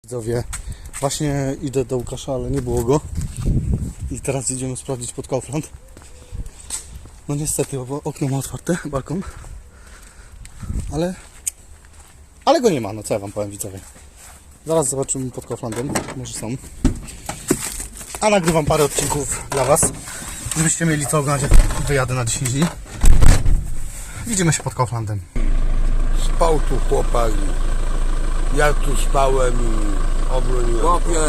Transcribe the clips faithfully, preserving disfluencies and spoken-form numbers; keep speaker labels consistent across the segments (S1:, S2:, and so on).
S1: Widzowie, właśnie idę do Łukasza, ale nie było go. I teraz idziemy sprawdzić pod Kaufland. No niestety, bo okno ma otwarte, balkon. Ale... Ale go nie ma, no co ja wam powiem, widzowie. Zaraz zobaczymy pod Kauflandem, może są. A nagrywam parę odcinków dla was, żebyście mieli co oglądać, jak wyjadę na dziesięć dni. Widzimy się pod Kauflandem.
S2: Spał tu chłopak, ja tu spałem i obroniłem.
S3: Chłopie,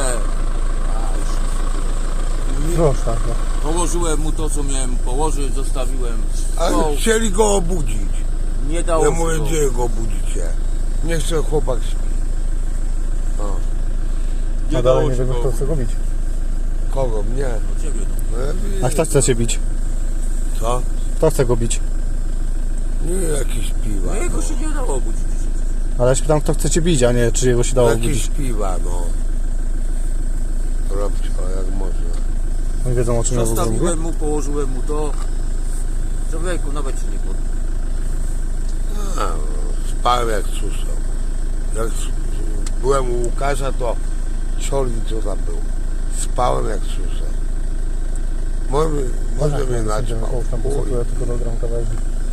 S1: Proszę, tak.
S3: położyłem mu to, co miałem położyć, zostawiłem.
S2: Ale
S3: No,
S2: chcieli go obudzić.
S3: nie dało
S2: Ja
S3: się
S2: mówię,
S3: to.
S2: gdzie go obudzicie? Niech sobie chłopak śpi. No.
S3: Nie
S1: A
S3: dało
S1: dalej nie
S3: się
S1: wiemy,
S3: go.
S1: kto chce go bić.
S2: Kogo? Mnie?
S3: No, ciebie, no.
S2: No ja wiem.
S1: A kto chce się bić?
S2: Co?
S1: Kto chce go bić?
S2: Nie jakieś piwa.
S3: No jego się nie dało obudzić.
S1: Ale ja się pytam, kto chce cię bić, a nie czy jego się dało
S2: Jakieś
S1: obudzić.
S2: piwa, no. Robcie, jak można.
S1: Oni wiedzą, o czym ja w ogóle mówię.
S3: Zostawiłem mu, położyłem mu to. Człowieku, nawet się nie podniósł.
S2: A, no, spałem jak susał. Jak s- byłem u Łukasza, to cioli co tam był. Spałem jak susał. Może, może mnie naćpał.
S1: Tam
S2: Chuj.
S1: ja tylko dogram kawałek.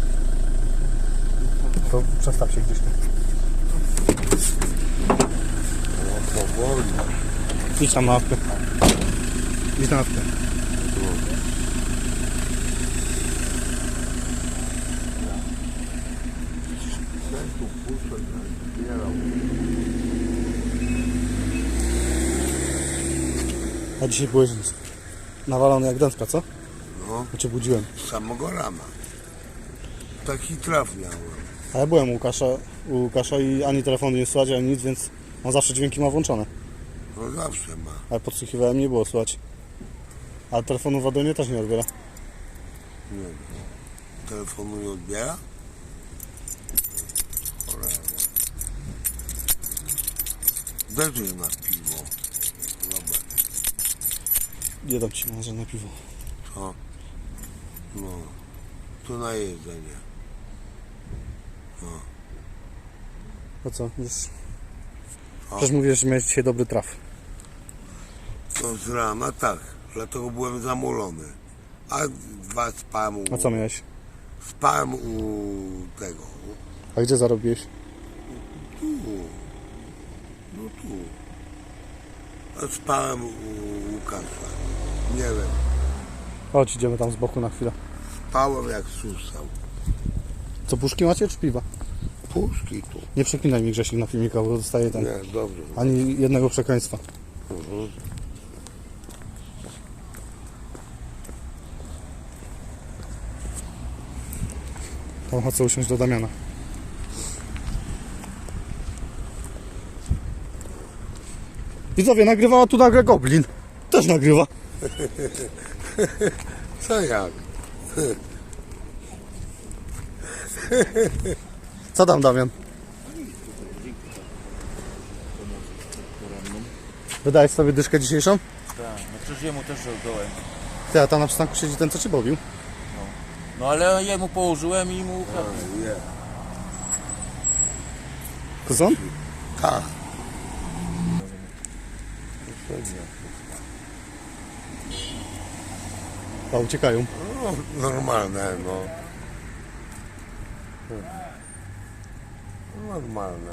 S1: To przestaw się gdzieś tam.
S2: No, powoli.
S1: Idź tam na ławkę. Idź na ławkę.
S2: Ten tu puszczę, zbierał.
S1: A dzisiaj byłeś nawalony jak dętka, co?
S2: No,
S1: Ja cię budziłem.
S2: z samego rana. Taki traf miałem.
S1: A ja byłem u Łukasza, u Łukasza i ani telefonu nie słychać, ani nic, więc on zawsze dźwięki ma włączone.
S2: No zawsze ma.
S1: Ale podsłuchiwałem, nie było słychać. A telefonu w Adonie też nie odbiera.
S2: Nie wiem. Telefonu nie odbiera? Cholera. Daj tu na piwo. Dobra.
S1: Nie dam ci na żadne piwo.
S2: Co? No. Tu na jedzenie.
S1: A co? Już...
S2: Co?
S1: Przecież mówisz, że miałeś dzisiaj dobry traf.
S2: No z rana tak. Dlatego byłem zamulony. A dwa spałem u...
S1: A co miałeś?
S2: Spałem u tego.
S1: A gdzie zarobiłeś?
S2: Tu. No tu. A spałem u Łukasza. Nie wiem.
S1: Chodź, idziemy tam z boku na chwilę.
S2: Spałem jak susał.
S1: Co, puszki macie czy piwa?
S2: Puszki tu.
S1: Nie przeklinaj mi, Grzesiek, na filmika, bo dostaję ten...
S2: Nie, dobrze.
S1: Ani jednego przekleństwa.
S2: Mhm.
S1: Tam chcę usiąść do Damiana. Widzowie, nagrywała tu nagle Goblin. Też nagrywa.
S2: Co jak?
S1: Co tam, Damian? Wydajesz sobie dyszkę dzisiejszą?
S3: Tak, no przecież jemu też dołem.
S1: Ty, a tam na przystanku siedzi ten, co cię bawił.
S3: No ale jemu położyłem i mu...
S2: Nie.
S1: To co?
S2: Tak.
S1: A, uciekają.
S2: No, normalne, no. Normalne.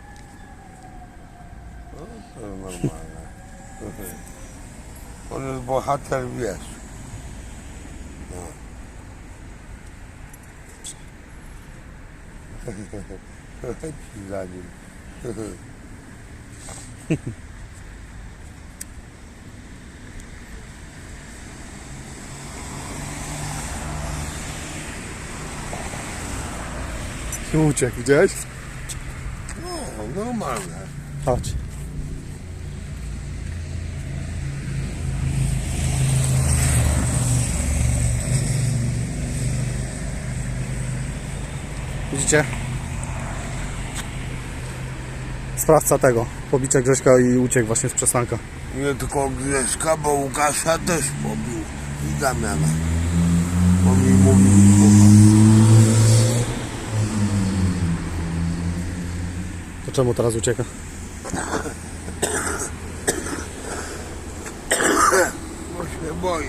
S2: No, to normalne. On jest bohater, wiesz. No. Leci za nim.
S1: I uciekł, widziałeś?
S2: No, normalne.
S1: Chodź. Widzicie? Sprawca tego, pobicia Grześka i uciekł właśnie z przystanka.
S2: Nie tylko Grześka, bo Łukasza też pobił. I Damiana. Bo mi mówił słowa.
S1: To czemu teraz ucieka?
S2: boi.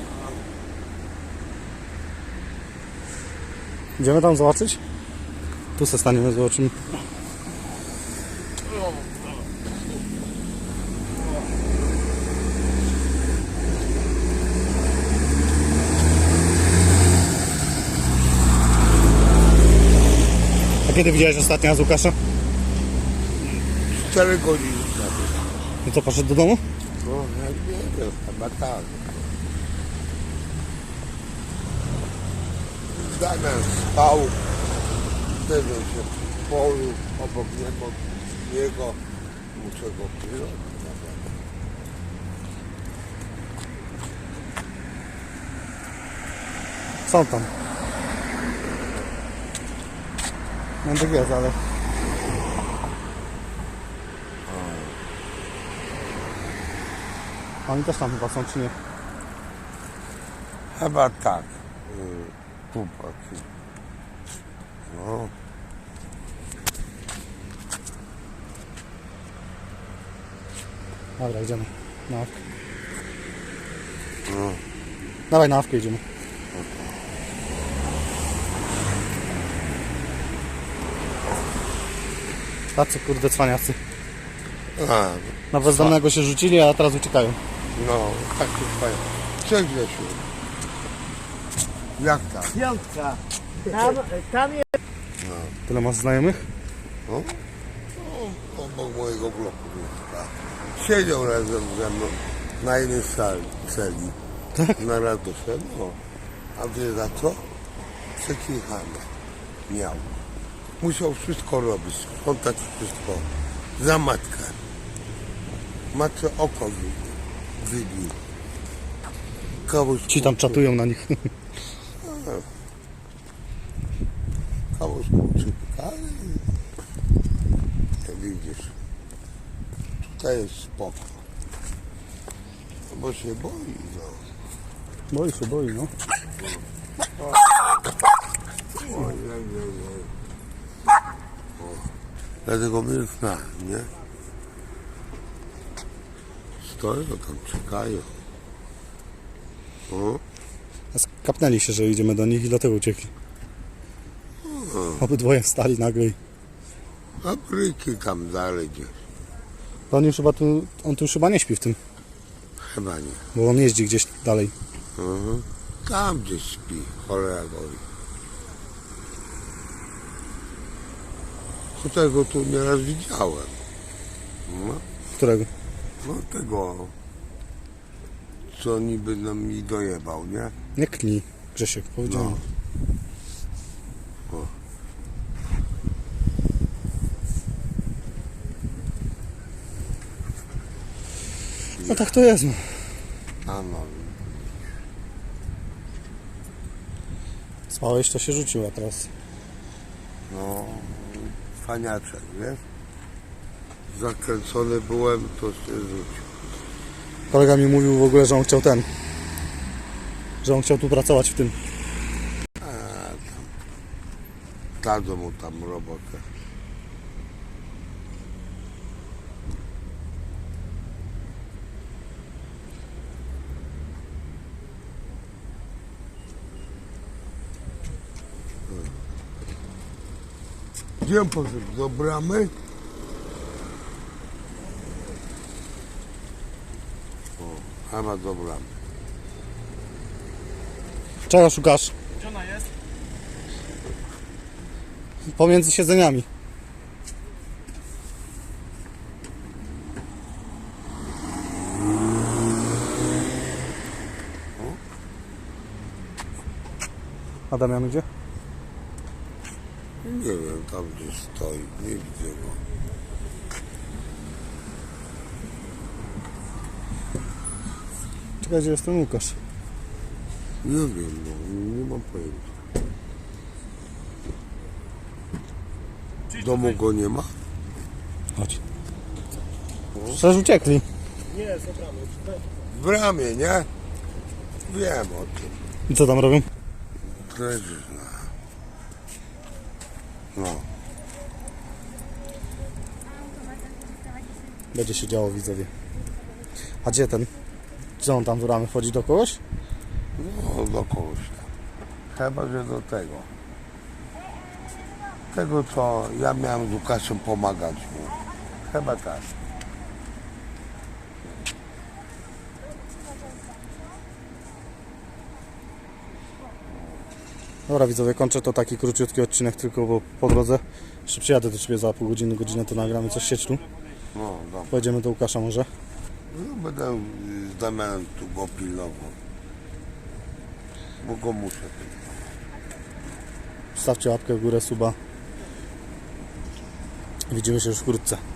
S1: Idziemy tam zobaczyć? Tu se staniemy, zobaczymy. A kiedy widziałeś ostatnio z Łukasza?
S2: Cztery godziny temu.
S1: I co, poszedł do domu?
S2: No, ja nie wiem, chyba tak. Damian spał, wtedy się w polu, obok niego, niego muszę go pilnować.
S1: Są tam. Będę jest, ale... Oni też tam chyba są, czy nie?
S2: Chyba tak. Yy, Tu patrz. No.
S1: Dobra, idziemy. Na awkę.
S2: No.
S1: Dawaj, na awkę idziemy. Tacy kurde cwaniacy.
S2: A,
S1: Na bezdomnego się rzucili, a teraz uciekają.
S2: no, tak się fajnie. Cześć Grzesiu. Jak tam?
S3: Piątka. Tam, tam jest.
S1: Tyle masz znajomych?
S2: No? No, obok mojego bloku mieszka. Siedział razem ze mną na jednej sali, celi. Na radosze, no. A wie za co? Przekichane miał. Musiał wszystko robić, sprzątać wszystko. Za matkę. Matce oko wy- wybił. Kogoś
S1: Ci tam czatują na nich.
S2: Kogoś kurczyka, ale jak widzisz, tutaj jest spoko. Bo się boi, no.
S1: Boi się, boi, no.
S2: Oj, oj, oj, oj. O, dlatego milknąłem, nie? Stoją tam, czekają. O,
S1: A skapnęli się, że idziemy do nich i dlatego uciekli. Obydwoje wstali nagle i...
S2: a bryki tam dalej gdzieś.
S1: To on już chyba tu... On tu już chyba nie śpi w tym.
S2: Chyba nie.
S1: Bo on jeździ gdzieś dalej.
S2: Mhm. Tam gdzieś śpi, cholera boi. Tutaj go tu nieraz widziałem. No,
S1: Którego?
S2: no tego, co niby nam mi dojebał, nie?
S1: Nie knij, Grzesiek, powiedziałem.
S2: No. O.
S1: No tak to jest, no.
S2: A no,
S1: Spałeś, to się rzucił, a teraz...
S2: no, faniaczek, wiesz? Zakręcony byłem, to się rzucił.
S1: Kolega mi mówił w ogóle, że on chciał ten... Że on chciał tu pracować w tym.
S2: A tam, dadzą mu tam robotę. Gdzie on poszedł? Do bramy? O, chyba do bramy.
S1: Czego szukasz?
S3: Gdzie ona jest?
S1: Pomiędzy siedzeniami. A Damian gdzie?
S2: Nie wiem, tam gdzieś stoi, nie widzę go.
S1: Czekaj, gdzie jest ten Łukasz?
S2: Nie wiem, no, nie mam pojęcia. W domu go nie ma?
S1: Chodź. Przecież uciekli.
S3: Nie, za bramą.
S2: W bramie, nie? Wiem o tym.
S1: I co tam robią?
S2: Leżysz na... No,
S1: Będzie się działo, widzowie. A gdzie ten? Co on tam w ramy wchodzi do kogoś?
S2: No, do kogoś tam. Chyba, że do tego. Tego, co ja miałem z Łukaszem pomagać mu. Chyba tak.
S1: Dobra widzowie, kończę to taki króciutki odcinek tylko, bo po drodze jeszcze przyjadę do Ciebie za pół godziny, godzinę, to nagramy coś sieć tu.
S2: No, dobra.
S1: Pojedziemy do Łukasza może.
S2: No, będę y, z Damianem tu go pilnował. Bo go muszę.
S1: Stawcie łapkę w górę, suba. Widzimy się już wkrótce.